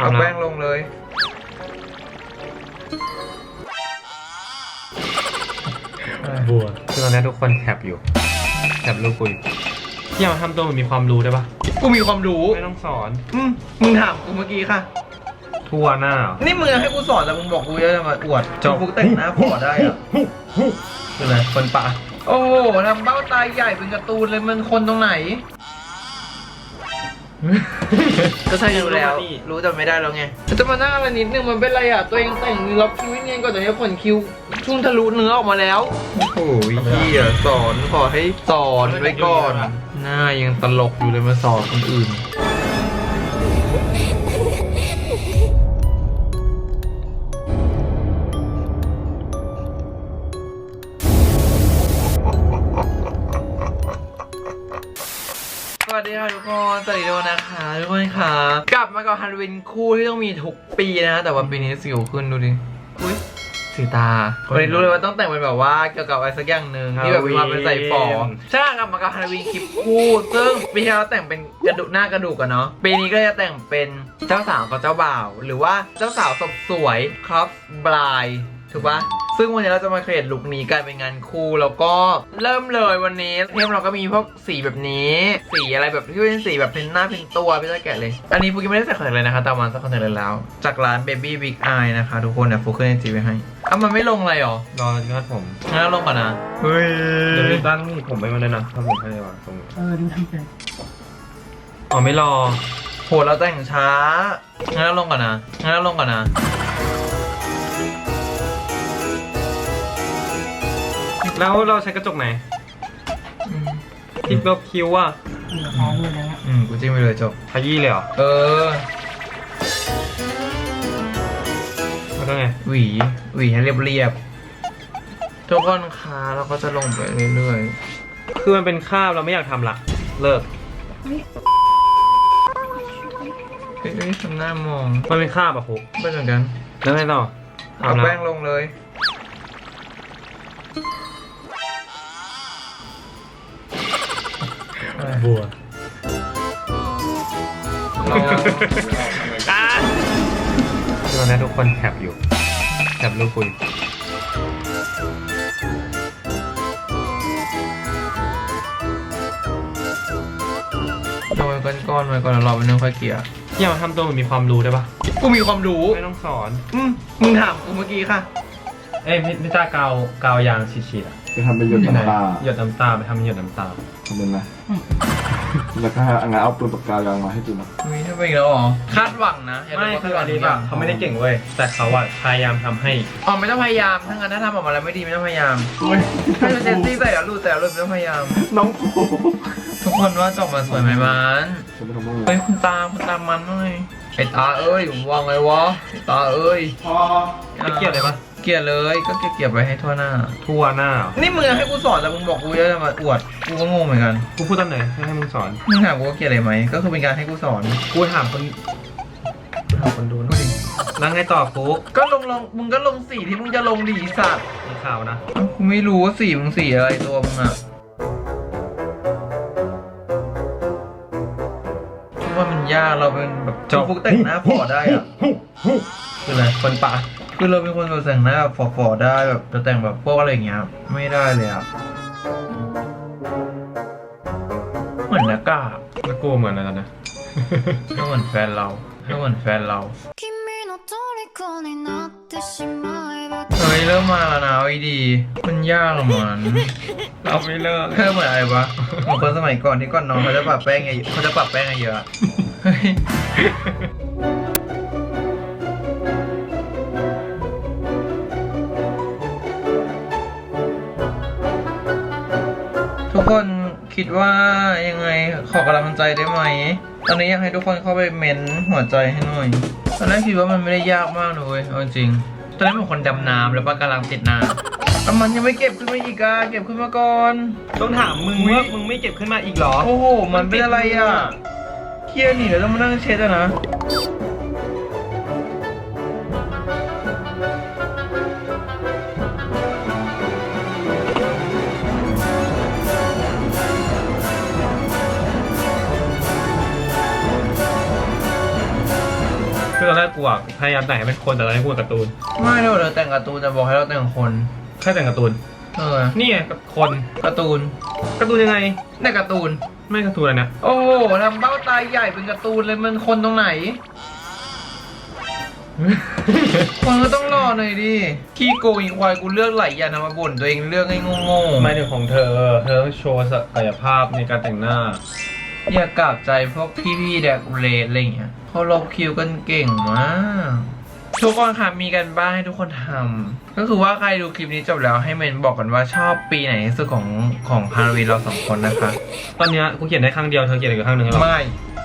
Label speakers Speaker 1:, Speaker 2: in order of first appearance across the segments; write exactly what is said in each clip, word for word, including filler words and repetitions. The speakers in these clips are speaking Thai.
Speaker 1: เอาแป้งลงเลย
Speaker 2: บัวคือตอนนี้ทุกคนแคปอยู่แคปรูปคุยพี่เอาทำตัวมันมีความรู้ได้ปะ
Speaker 1: กูมีความรู้
Speaker 2: ไม่ต้องสอน
Speaker 1: อืมมึงถามกูเมื่อกี้ค่ะ
Speaker 2: ทั่วหน้า
Speaker 1: นี่มึงให้กูสอนแต่มึงบอกกูจะมาอวดจบฟุกแต่งหน้าพอได้อะคืออะไรคนป่าโอ้โหทำเบ้าตาใหญ่เป็นการ์ตูนเลยมันคนตรงไหนก็ใช่อยู่แล้วรู้แต่ไม่ได้แล้วไงจะมาหน้าอะไรนิดนึงมันเป็นไรอ่ะตัวเองแต่งล็อกคิ้วเนียนก่อนเดี๋ยวผลคิ้วชุ่มทะลุเนื้อออกมาแล้วโอ้ยเหี้ยสอนขอให้สอนไว้ก่อนหน้ายังตลกอยู่เลยมาสอนคนอื่นสวัสดีค่ะทุกคนสวัสดีทุกคนนะคะทุกคนค่ะกลับมากับฮันวินคู่ที่ต้องมีทุกปีนะแต่ว่าปีนี้สิวขึ้นดูดิอุ้ยสีตาวันนี้รู้เลยว่าต้องแต่งเป็นแบบว่าเกี่ยวกับอะไรสักอย่างหนึ่งที่แบบมีความเป็นใส่ฟอใช่กลับมากับฮันวินคลิปคู่ซึ่งปีที่แล้วแต่งเป็นกระดูกหน้ากระดูกกันเนาะปีนี้ก็จะแต่งเป็นเจ้าสาวกับเจ้าบ่าวหรือว่าเจ้าสาวสสวยครอปบลายถูกปะซึ่งวันนี้เราจะมาเคลียร์ลุคนี้กันเป็นงานคู่แล้วก็เริ่มเลยวันนี้เทมเราก็มีพวกสีแบบนี้สีอะไรแบบที่เป็นสีแบบเป็นหน้าเป็นตัวพี่จะแกะเลยอันนี้ฟุกยังไม่ได้ใส่คอนแทคเลยนะคะแต่มันใส่คอนแทคเลยแล้วจากร้าน Baby Big Eye นะคะทุกคนเนี่ยฟุกขึ้นในจีไว้ให้อ้าวมันไม่ลงอะไรหรอ
Speaker 2: รอที่คาดผม
Speaker 1: งั้นลงก่อนนะเฮ้ย
Speaker 2: เดี๋ยวพี่ตั้งผมไปมาเลยนะถ้าผมให้วางตรงนี้
Speaker 3: เออดูทำเป็น
Speaker 2: อ๋อไม่รอ
Speaker 1: โหเราแต่งช้างั้นลงก่อนนะงั้นลงก่อนนะ
Speaker 2: แล้วเราใช้กระจกไหนที่ลบคิ้วอ่ะ
Speaker 3: เหลือท้องเลยนะเนี่ย
Speaker 1: อืมกูจิ้มไปเลยจบ
Speaker 2: ขยี้เลยเหรอ
Speaker 1: เออ
Speaker 2: แล้วก็ไง
Speaker 1: หวีหวีให้เรียบๆทุกคนคะเราก็จะลงไปเรื่อย
Speaker 2: คือมันเป็นคราบเราไม่อยากทำละเลิก
Speaker 1: ๆเฮ้ยทำหน้ามอง
Speaker 2: มันเป็นคราบอะฟุก
Speaker 1: ไม่เหมือนกัน
Speaker 2: แล้วไงต่อ
Speaker 1: เอาแป้งลงเลย
Speaker 2: บัว
Speaker 1: เรา
Speaker 2: คือตอนนี้ทุกคนแคปอยู่แคปรูปคุย
Speaker 1: โดยก้อนๆไปก่อนแล้วเราไปนึ่งค่อยเกลี่ย
Speaker 2: พี่เอาทำตัวมันมีความรู้ได้ปะ
Speaker 1: กูมีความรู้
Speaker 2: ไม่ต้องสอน
Speaker 1: อืมมึงถามกูเมื่อกี้ค่ะ
Speaker 2: เอ้ยพี่พี่ตากาวกาวยางฉีดๆอะ
Speaker 4: ไปทำเป็นหยดน้ำตา
Speaker 2: หยดน้ำตาไปทำเป็นหยดน้ำตา
Speaker 4: ทำเป็นไหมแล้วก็เอางานเอาปืนปากกายางมาให้ดูนะ
Speaker 1: มีถ้าเป็นอีกแล้วเหรอคาดหวังนะย่า
Speaker 2: ไม่
Speaker 1: บกว่า
Speaker 2: คืออันนี้
Speaker 1: ค
Speaker 2: แบ
Speaker 1: ดหวั
Speaker 2: บ
Speaker 1: ง
Speaker 2: เขาไม่ได้เก่งเว้ยแต่เขาอะพยายามทำให้
Speaker 1: อ๋อไม่ต้องพยายามถ้างั้นถ้าทำออกมาแล้วไม่ดีไม่ต้องพยายามถ้าจะเจนซี่ใส่แล้วรูดแต่รูดไม่ต้องพยายาม
Speaker 4: น้องโผ
Speaker 1: ทุกคนว่าจบมาสวยไหมมัน
Speaker 4: จะไปทำอะไร
Speaker 1: เฮ้ยคุณตาคุณตามันหน่อยไอ้ตาเอ้ยผมวางไงวะไอ้ตาเอ้ย
Speaker 4: พอ
Speaker 2: ไม่เกลียดเลยปะ
Speaker 1: เกลียดเลยก็เกลียดๆไปให้ทั่วหน้า
Speaker 2: ทั่วหน้า
Speaker 1: นี่มึงให้กูสอนแต่มึงบอกกูจะมาอวดกูก็งงเหมือนกัน
Speaker 2: กูพูดตอนไหนให้ให้มึงสอน
Speaker 1: มึงถามกูว่าเกลียดอะไรไหมก็คือเป็นการให้กูสอน
Speaker 2: กูถามคนกูถามคนดูหนะแล้วไงต่อฟุก
Speaker 1: ก็ลงลงมึงก็ลงสีที่มึงจะลงดีสัตว์
Speaker 2: มีข่าวนะ
Speaker 1: เอ้ากูไม่รู้ว่าสีมึงสีอะไรตัวมึงอะคิดว่ามันยากเราเป็นแบบจอฟุกแต่งหน้าพอได้อะคืออะไรคนป่าคือเราเป็นคนแบบแต่งหน้าแบบฟอๆได้แบบจะแต่งแบบพวกอะไรอย่างเงี้ยไม่ได้เลยอะเหมือนหน้ากาก
Speaker 2: แล้วกูเหมือนอะไรตอนนี้
Speaker 1: ก็เหมือนแฟนเราก็เหมือนแฟนเราเฮ้ยเริ่มมาแล้วนะไอ้ดีมันยากเหรอมัน
Speaker 2: เราไม่เลิก
Speaker 1: เพิ่มเหมือนอะไรวะเหมือนคนสมัยก่อนที่ก่อนนอนเขาจะปรับแป้งไงเขาจะปรับแป้งไงเยอะเฮ้ยทุกคนคิดว่ายังไงขอกำลังใจได้ไหมตอนนี้อยากให้ทุกคนเข้าไปเม้นหัวใจให้หน่อยตอนแรกคิดว่ามันไม่ได้ยากมากเลยเอาจริงตอนแรกเป็นคนดำน้ำแล้วปะกำลังติดน้ำแต่มันยังไม่เก็บขึ้นมาอีกอะเก็บขึ้นมาก่อน
Speaker 2: ต้องถามมึงว่ามึงไม่เก็บขึ้นมาอีกเหรอ
Speaker 1: โอ้โหมันเป็นอะไรอ่ะเครียดหนิแล้วต้องมานั่งเช็ดอะนะ
Speaker 2: อนแรกกูอ่ะพยายามแต่งให้เป็นคนแต่ตอนนี้กูการ์ตูน
Speaker 1: ไม่เดี๋ยวเราแต่งการ์ตูนจะบอกให้เราแต่งคน
Speaker 2: แค่แต่งการ์ตูน
Speaker 1: เออ
Speaker 2: นี่ไงคน
Speaker 1: การ์ตูน
Speaker 2: การ์ตูนยังไง
Speaker 1: ในการ์ตูน
Speaker 2: ไม่การ์ตูนอะไรนะ
Speaker 1: โอ้โหทำเบ้าตาใหญ่เป็นการ์ตูนเลยมันคนตรงไหน คนก็ต้องรอหน่อยดิขี้โกงอีควายกูเลือกหลายอย่างนะมาบ่นตัวเองเลือกให้โง่ๆ
Speaker 2: ไม่ถึงของเธอ เธอต้องโชว์ศักยภาพในการแต่งหน้า
Speaker 1: อย่ากลับใจพวกพี่ๆแดกเรดอะไรอย่างเงี้ยเขาลบคิวกันเก่งมากทุกคนค่ะมีกันบ้านให้ทุกคนทำก็คือว่าใครดูคลิปนี้จบแล้วให้เมนบอกกันว่าชอบปีไหนที่สุดของของฮาโลวีนเราสองคนนะคะ
Speaker 2: ตอนเนี้ยกูเขียนได้ข้างเดียวเธอเขียนอีกข้างหนึ่งหรอ
Speaker 1: ไม่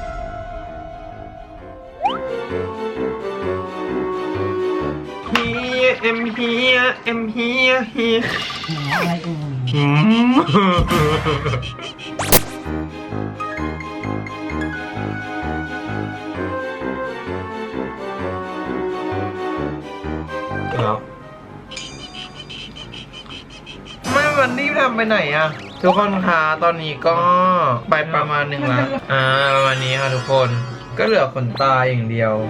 Speaker 2: เฮียเอ็มเฮียเอ็มเฮียเฮีย
Speaker 3: อะไรเอ่ย
Speaker 2: อืมแล้ว
Speaker 1: ไม่วันนี้ทำไปไหนอะทุกคนคะตอนนี้ก็ไปประมาณหนึ่งแล้วอ่าประมาณนี้ค่ะทุกคนก็เหลือขนตาอย่างเดียว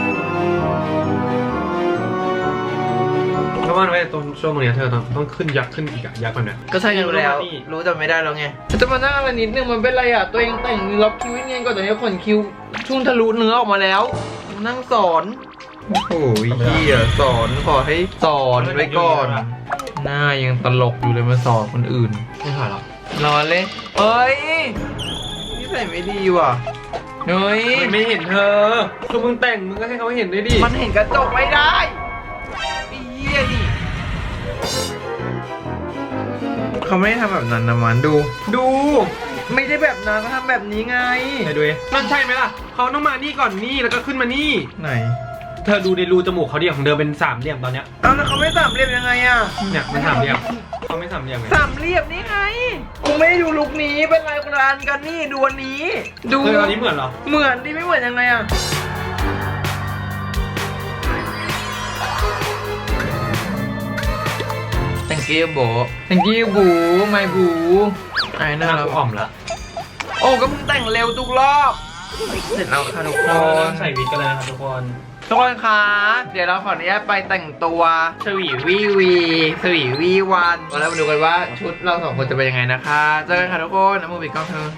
Speaker 2: เพราะว่าไว้ตรงช่วงนี้เธอต้องต้องขึ้นยักษ์ขึ้นอีกอะยักษ์มันเนี่ย
Speaker 1: ก็ใช่กันแล้ว รู้แต่ไม่ได้แล้วไงจะมานั่งอะไรนิดนึงมันเป็นไรอ่ะ ตัวเองแต่งล็อกคิ้วให้เนียนก่อนแต่นี้ขนคิ้วชุ่มทะลุเนื้อออกมาแล้ว นั่งสอน โอ้โหเฮียสอนขอให้สอนไว้ก่อน หน้ายังตลกอยู่เลยมาสอนคนอื่น
Speaker 2: ไม่ถ่ายหรอก
Speaker 1: รอเลยเอ้ยนี่ใส่ไม่ดีว่ะเฮ้ย
Speaker 2: มันไม่เห็นเธอคือมึงแต่งมึงก็ให้เขาเห็นด้วยดิ
Speaker 1: มันเห็นกระจกไม่ได้ไอ้เหี้ยนี่เขาไม่ได้ทำแบบนั้นนะมันดู
Speaker 2: ดู
Speaker 1: ไม่ได้แบบนั้นเขาทำแบบนี้ไง
Speaker 2: ไหนดูดินั่นใช่ไหมล่ะเขาต้องมานี่ก่อนนี่แล้วก็ขึ้นมานี่
Speaker 1: ไหน
Speaker 2: เธอดูในรูจมูกเขาดิของเดิมเป็นสามเหลี่ยมตอนเนี้ย
Speaker 1: เอาแล้วเขาไม่สามเหลี่ยมยังไงอะ
Speaker 2: เนี่ยมันสามเหลี่ยมเขาไม่สามเหลี่ยมไง
Speaker 1: สามเหลี่ยมนี่ไงกูไม่ได้ดูลุคนี้เป็นลายกรานกันนี่ดูอันนี้ ดู
Speaker 2: เอออันนี้เหมือนเหรอ
Speaker 1: เหมือนดิไม่เหมือนยังไงอะ thank you โบ thank you บูไม่บูไอ้
Speaker 2: ห
Speaker 1: น่า
Speaker 2: น้า
Speaker 1: รัก
Speaker 2: กูอ่อมละ
Speaker 1: โอ้ก็มึงแต่งเร็วทุกรอบ เสร็จแล้วค่ะทุกค
Speaker 2: เรา
Speaker 1: น
Speaker 2: ใส่วิกกันเลยนะครับทุกคน
Speaker 1: ทุกคนคะเดี๋ยวเราขออนุญาตไปแต่งตัวสวีวีวีสวีวีวันแล้วมาดูกันว่าชุดเราสองคนจะเป็นยังไงนะคะเจอกันค่ะทุกคนน้ำมูบิกกล้องเธอ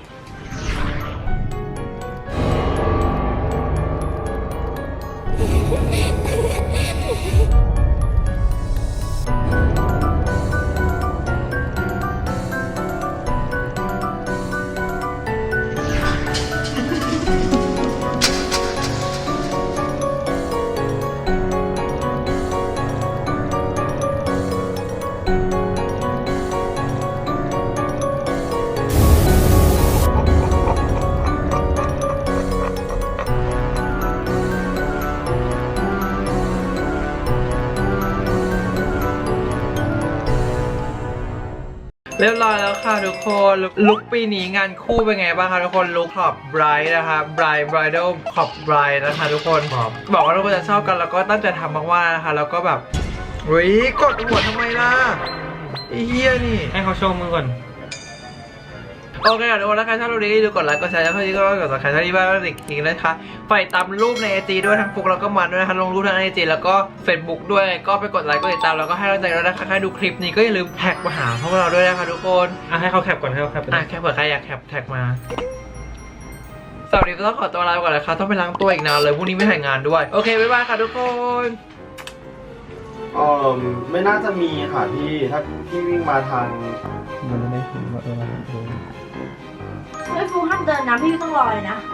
Speaker 1: เรียบร้อยแล้วค่ะทุกคนลุคปีนี้งานคู่เป็นไงบ้างคะทุกคนลุคขอบไบรท์นะคะไบรท์ไบรท์ขอบไบรท์นะคะทุกคนบอกว่าทุกคนจะชอบกันแล้วก็ตั้งใจทำมากๆนะคะแล้วก็แบบเฮ้ยกดหัวทำไมล่ะไอ้เหี้ยนี่
Speaker 2: ให้เขาโชว์มือก่อน
Speaker 1: โอเคค่ะทุกคนถ้าใครชอบรูปนี้ดูกดไลค์กดแชร์แล้วก็ที่ก็กดซับสไครต์ที่บ้านก็ติดทิ้งเลยค่ะไปตามรูปในไอจีด้วยทั้งฟุกแล้วก็มันด้วยนะคะลงรูปทางไอจีแล้วก็เฟซบุ๊กด้วยก็ไปกดไลค์กดติดตามแล้วก็ให้กำลังใจด้วยนะคะใครดูคลิปนี้ก็อย่าลืมแท็กมาหาพวกเราด้วยนะคะทุกคน
Speaker 2: อ่ะให้เขาแคปก่อนให้เขาแคปไป
Speaker 1: อ่ะแค่เผื่อใครอยากแคปแท็กมาสวัสดีต้องขอตัวลาไปก่อนนะคะต้องไปล้างตัวอีกนานเลยพรุ่งนี้ไม่ถ่ายงานด้วยโอเคบ๊ายบายค่ะทุกคน
Speaker 4: เออไม่น่าจะมีค่ะพี่ ถ้าพี่วิ่งมาทางมันไม่เห็นว่าเออเออ
Speaker 3: ไม่ฟูห้ามเดินนะพี่ต้องรอเลยนะ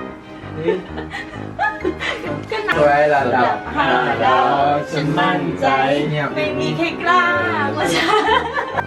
Speaker 3: ก็นะ
Speaker 1: สวยระดับ
Speaker 3: ห้าดาวฉันมั่นใจ
Speaker 1: เงียบ
Speaker 3: ไม่มีใครกล้ากว่าฉัน